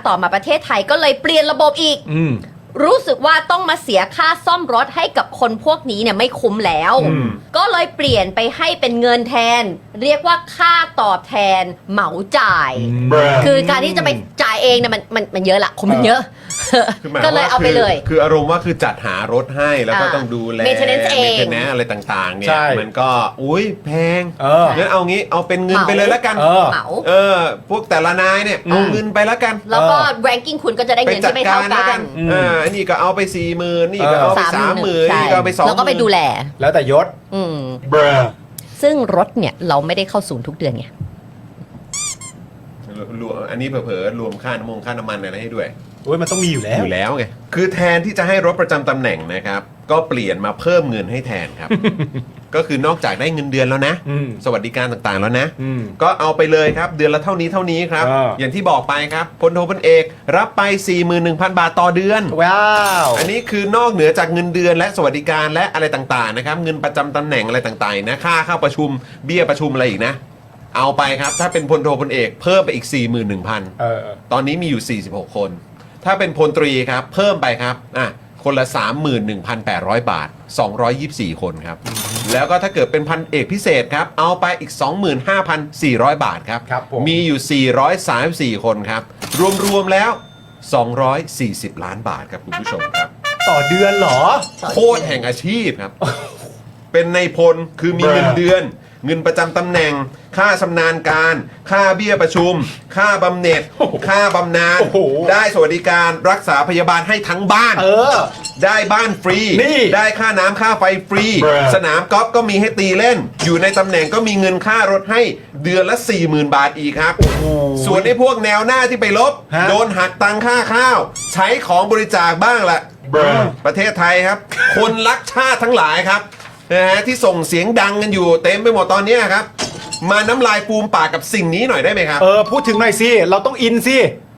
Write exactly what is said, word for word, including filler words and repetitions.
ต่อมาประเทศไทยก็เลยเปลี่ยนระบบอีกรู้สึกว่าต้องมาเสียค่าซ่อมรถให้กับคนพวกนี้เนี่ยไม่คุ้มแล้วก็เลยเปลี่ยนไปให้เป็นเงินแทนเรียกว่าค่าตอบแทนเหมาจ่ายคือการที่จะไปจ่ายเองเนี่ยมันมันมันเยอะละคนมันเยอะก็เลยเอาไปเลยคืออารมณ์ว่าคือจัดหารถให้แล้วก็ต้องดูแล maintenance เอง maintenance อะไรต่างๆเนี่ยมันก็อุ้ยแพงงั้นเอางี้เอาเป็นเงินเหมาไปเลยแล้วกันเหมาเออพวกแต่ละนายเนี่ยเอาเงินไปแล้วกันแล้วก็ ranking คุณก็จะได้เงินที่ไม่เท่ากันเอออันนี้ก็เอาไปสี่หมื่นนี่ก็เอาไปสามหมื่นนี่ก็เอาไปสองหมื่นแล้วก็ไปดูแลแล้วแต่ยศอืมซึ่งรถเนี่ยเราไม่ได้เข้าศูนย์ทุกเดือนไงรวมอันนี้เผลอๆรวมค่าน้ำมันค่าน้ำมันอะไรให้ด้วยโอ้ยมันต้องมีอยู่แล้วอยู่แล้วไงคือแทนที่จะให้รถประจำตำแหน่งนะครับก็เปลี่ยนมาเพิ่มเงินให้แทนครับ ก็คือนอกจากได้เงินเดือนแล้วนะสวัสดิการต่างๆแล้วนะก็เอาไปเลยครับเดือนละเท่านี้เท่านี้ครับอ, อย่างที่บอกไปครับพลโทพลเอกรับไป สี่หมื่นหนึ่งพัน บาทต่อเดือนว้าวอันนี้คือนอกเหนือจากเงินเดือนและสวัสดิการและอะไรต่างๆนะครับเงินประจำตำแหน่งอะไรต่างๆนะค่าเข้าประชุมเบี้ยประชุมอะไรอีกนะเอาไปครับถ้าเป็นพลโทพลเอกเพิ่มไปอีก สี่หมื่นหนึ่งพันเออตอนนี้มีอยู่สี่สิบหกคนถ้าเป็นพลตรีครับเพิ่มไปครับอ่ะคนละ สามหมื่นหนึ่งพันแปดร้อย บาทสองร้อยยี่สิบสี่คนครับแล้วก็ถ้าเกิดเป็นพันเอกพิเศษครับเอาไปอีก สองหมื่นห้าพันสี่ร้อย บาทครับ มีอยู่สี่ร้อยสามสิบสี่คนครับรวมๆแล้วสองร้อยสี่สิบล้านบาทครับคุณผู้ชมครับต่อเดือนเหรอโคตรแห่งอาชีพครับเป็นในพลคือมีเงินเดือนเงินประจำตำแหน่งค่าชำนาญการค่าเบี้ยประชุมค่าบำเหน็จค่าบำนาญได้สวัสดิการรักษาพยาบาลให้ทั้งบ้านเออได้บ้านฟรีได้ค่าน้ำค่าไฟฟรีสนามกอล์ฟก็มีให้ตีเล่นอยู่ในตำแหน่งก็มีเงินค่ารถให้เดือนละ สี่หมื่น บาทอีกครับส่วนไอ้พวกแนวหน้าที่ไปลบโดนหักตังค่าข้าวใช้ของบริจาคบ้างละประเทศไทยครับคนรักชาติทั้งหลายครับนะฮะที่ส่งเสียงดังกันอยู่เต็มไปหมดตอนนี้ครับมาน้ำลายฟูมปากกับสิ่งนี้หน่อยได้ไหมครับเออพูดถึงหน่อยสิเราต้องอินสิ